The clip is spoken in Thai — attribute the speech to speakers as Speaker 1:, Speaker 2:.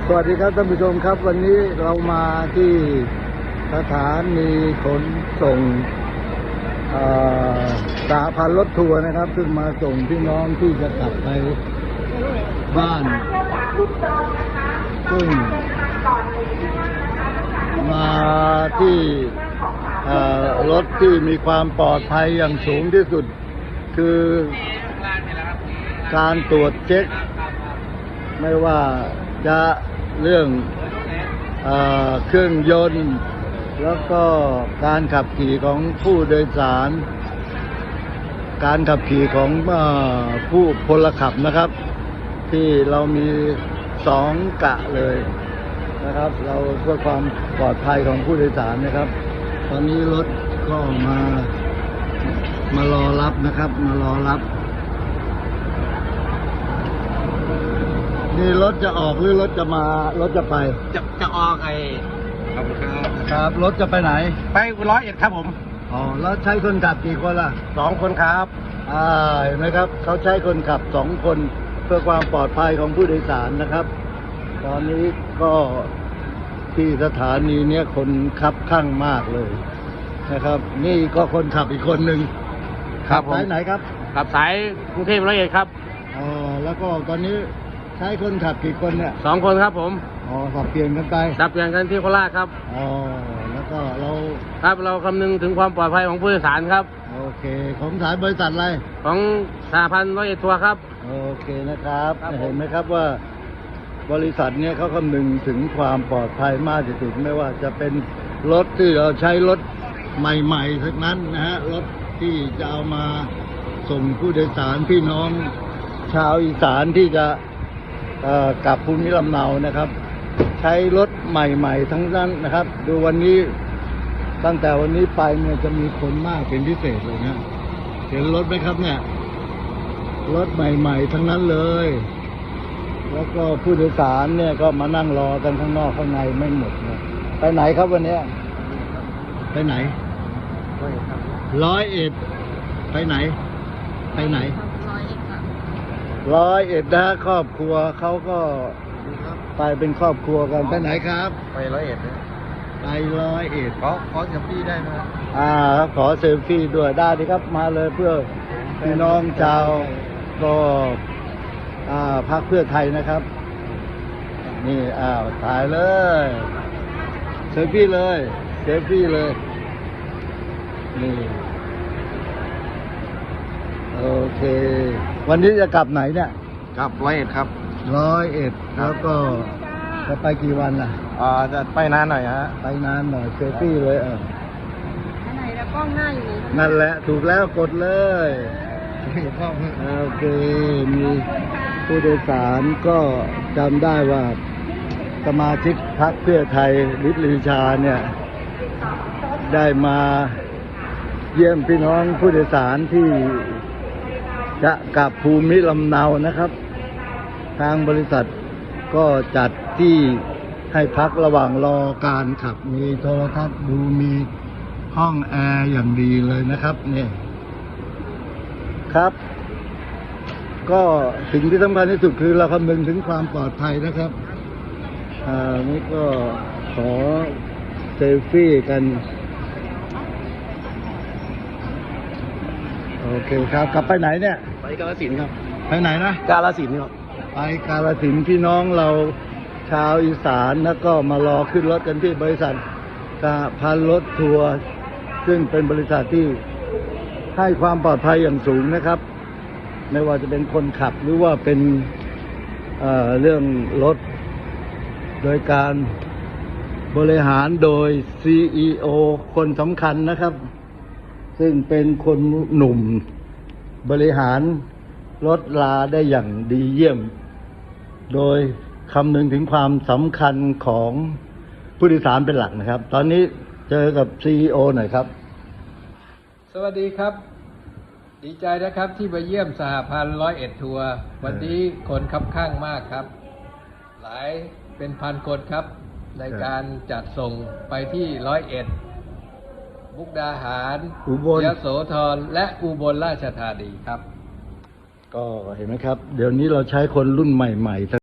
Speaker 1: สวัสดีครับท่านผู้ชมครับวันนี้เรามาที่สถานีขนส่งสหพันธ์รถทัวร์นะครับซึ่งมาส่งพี่น้องที่จะกลับไปบ้านซึ่งมาที่รถที่มีความปลอดภัยอย่างสูงที่สุดคือการตรวจเช็คไม่ว่าจะเรื่องเครื่องยนต์แล้วก็การขับขี่ของผู้โดยสารการขับขี่ของผู้พลขับนะครับที่เรามี2 กะเลยนะครับเราเพื่อความปลอดภัยของผู้โดยสารนะครับตอนนี้รถก็มารอรับนะครับมารอรับนี่รถจะออกหรือรถจะมารถจะไป
Speaker 2: จะออก
Speaker 1: ครับรถจะไปไหน
Speaker 2: ไป101ครับผม
Speaker 1: อ๋อแล้วใช้คนขับกี่คนล่ะ
Speaker 2: 2 คนครับ
Speaker 1: เห็นไหมครับเขาใช้คนขับ2 คนเพื่อความปลอดภัยของผู้โดยสารนะครับตอนนี้ก็ที่สถานีเนี้ยคนคับข้างมากเลยนะครับนี่ก็คนขับอีกคนหนึ่ง
Speaker 2: ครับผม
Speaker 1: สายไหนครับ
Speaker 2: ขับสายกรุงเทพ101ครับ
Speaker 1: แล้วก็ตอนนี้ใช้คนขับกี่คนเนี่ย
Speaker 2: 2 คนครับผม
Speaker 1: สับเปลี่ยนกันไป
Speaker 2: สับเปลี่ยนกันที่โคราชครับ
Speaker 1: แล้วก็
Speaker 2: เราคำนึงถึงความปลอดภัยของผู้โดยสารครับ
Speaker 1: โอเคของสายบริษัทอะไร
Speaker 2: ของสหพันธ์101ทัวร์ครับ
Speaker 1: โอเคนะครับเห็นไหมครับว่าบริษัทเนี่ยเขาคำนึงถึงความปลอดภัยมากที่สุดไม่ว่าจะเป็นรถที่เราใช้รถใหม่ๆทั้งนั้นนะฮะรถที่จะเอามาส่งผู้โดยสารพี่น้องชาวอีสานที่จะกลับภูมิลำเนานะครับใช้รถใหม่ๆทั้งนั้นนะครับดูวันนี้ตั้งแต่วันนี้ไปเนี่ยจะมีคนมากเป็นพิเศษเลยนะเห็นรถไหมครับเนี่ยรถใหม่ๆทั้งนั้นเลยแล้วก็ผู้โดยสารเนี่ยก็มานั่งรอกันข้างนอกข้างในไม่หมดนะไปไหนครับวันนี้ไปไหน101ไปไหน101นะครอบครัวเขาก็ไปเป็นครอบครัวกันไปไหนครับ
Speaker 2: ไป101
Speaker 1: ไป101
Speaker 2: ขอเซลฟี่ได้ไหม
Speaker 1: ขอเซลฟี่ด้วยได้ดีครับมาเลยเพื่อพี่น้องชาวก็พรรคเพื่อไทยนะครับนี่ถ่ายเลยเซลฟี่เลยนี่โอเควันนี้จะกลับไหนเนี่ย
Speaker 2: กลับ101ครับ
Speaker 1: 101แล้วก็จะไปกี่วันล่ะ
Speaker 2: จะไปนานหน่อยฮะ
Speaker 1: ไปนานหน่อยเซลฟี่เลย
Speaker 3: อันไหนแล้วกล้องหน้าอยู่นี่
Speaker 1: นั่นแหละถูกแล้วกดเลยโอเคมีผู้โดยสารก็จำได้ว่าสมาชิกพรรคเพื่อไทยฤทธิ์ลือชาเนี่ยได้มาเยี่ยมพี่น้องผู้โดยสารที่จะกลับภูมิลำเนานะครับทางบริษัทก็จัดที่ให้พักระหว่างรอการขับมีโทรทัศน์ดูมีห้องแอร์อย่างดีเลยนะครับเนี่ยครับก็สิ่งที่สำคัญที่สุดคือเราคำนึงถึงความปลอดภัยนะครับนี่ก็ขอเซลฟี่กันโอเคครับกลับไปไหนเนี่ย
Speaker 2: ไปกาฬสินธุ์ครับ
Speaker 1: ไปไหนนะ
Speaker 2: กาฬสินธุ์ครับ
Speaker 1: ไปกาฬสินธุ์พี่น้องเราชาวอีสานแล้วก็มารอขึ้นรถกันที่บริษัทสหพันธ์รถทัวร์ซึ่งเป็นบริษัทที่ให้ความปลอดภัยอย่างสูงนะครับไม่ว่าจะเป็นคนขับหรือว่าเป็นเรื่องรถโดยการบริหารโดย CEO คนสำคัญนะครับซึ่งเป็นคนหนุ่มบริหารรถลาได้อย่างดีเยี่ยมโดยคำนึงถึงความสำคัญของผู้โดยสารเป็นหลักนะครับตอนนี้เจอกับ CEO หน่อยครับ
Speaker 4: สวัสดีครับดีใจนะครับที่มาเยี่ยมสหพันธ์101ทัวร์วันนี้คนคับข้างมากครับหลายเป็นพันคนครับในการจัดส่งไปที่101มุกดาหาร
Speaker 1: อุบล
Speaker 4: ยโสธรและอุบลราชธานีครับ
Speaker 1: ก็เห็นไหมครับเดี๋ยวนี้เราใช้คนรุ่นใหม่ๆ